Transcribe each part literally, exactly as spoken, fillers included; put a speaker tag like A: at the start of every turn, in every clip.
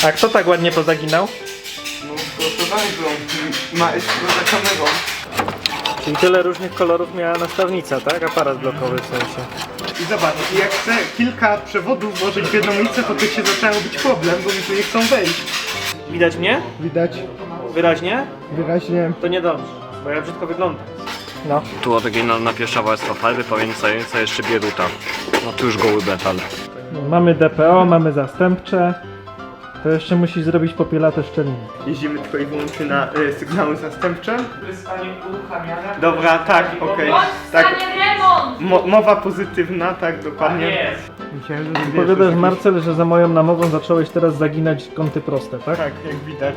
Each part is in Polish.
A: A kto tak ładnie pozaginał?
B: No proszę bardzo, ma jest za kamerą.
A: Czyli tyle różnych kolorów miała nastawnica, tak? Aparat blokowy w sensie.
B: I zobacz, jak chcę kilka przewodów włożyć w jedną ulicę, to tu się zaczyna robić problem, bo mi tu nie chcą wejść.
A: Widać mnie?
B: Widać
A: Wyraźnie?
B: wyraźnie.
A: To niedobrze, bo ja brzydko wyglądam. No.
C: Tu oryginalna pierwsza warstwa farby powiększająca jeszcze bieruta. No tu już goły metal.
A: Mamy D P O, mamy zastępcze. To jeszcze musisz zrobić popielate szczeliny.
B: Jeździmy tylko i wyłącznie na y, sygnały zastępcze.
A: Zostanie uruchamiane.
B: Dobra, tak, okej.
D: Bądź w
B: Tak,
D: stanie remont!
B: mo mowa pozytywna, tak, dokładnie.
A: jest.
B: Myślałem, że wiesz,
A: Powiadasz,
B: że-
A: Marcel, że za moją namową zacząłeś teraz zaginać kąty proste, tak?
B: Tak, jak widać.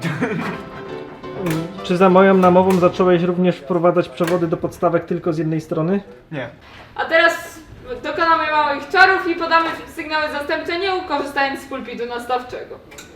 A: Czy za moją namową zacząłeś również wprowadzać przewody do podstawek tylko z jednej strony?
B: Nie.
D: A teraz dokonamy małych czarów i podamy sygnały zastępcze, nie korzystając z pulpitu nastawczego.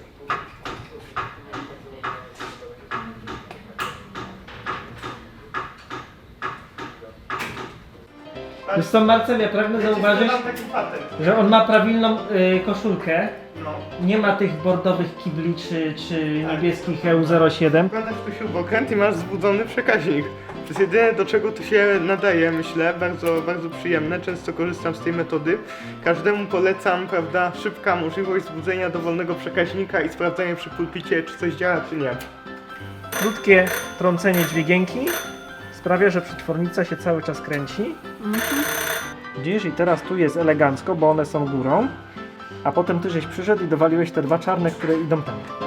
A: Wiesz co, Marcel, ja pragnę zauważyć,
B: Mam taki patent.
A: że on ma prawilną y, koszulkę.
B: No.
A: Nie ma tych bordowych kibli czy, czy niebieskich E U zero siedem.
B: Wkładasz tu śrubokręt i masz zbudzony przekaźnik. To jest jedyne, do czego to się nadaje, myślę, bardzo, bardzo przyjemne, często korzystam z tej metody. Każdemu polecam, prawda, szybka możliwość zbudzenia dowolnego przekaźnika i sprawdzania przy pulpicie, czy coś działa, czy nie.
A: Krótkie trącenie dźwigienki sprawia, że przetwornica się cały czas kręci. Widzisz, i teraz tu jest elegancko, bo one są górą. A potem ty żeś przyszedł i dowaliłeś te dwa czarne, które idą tam.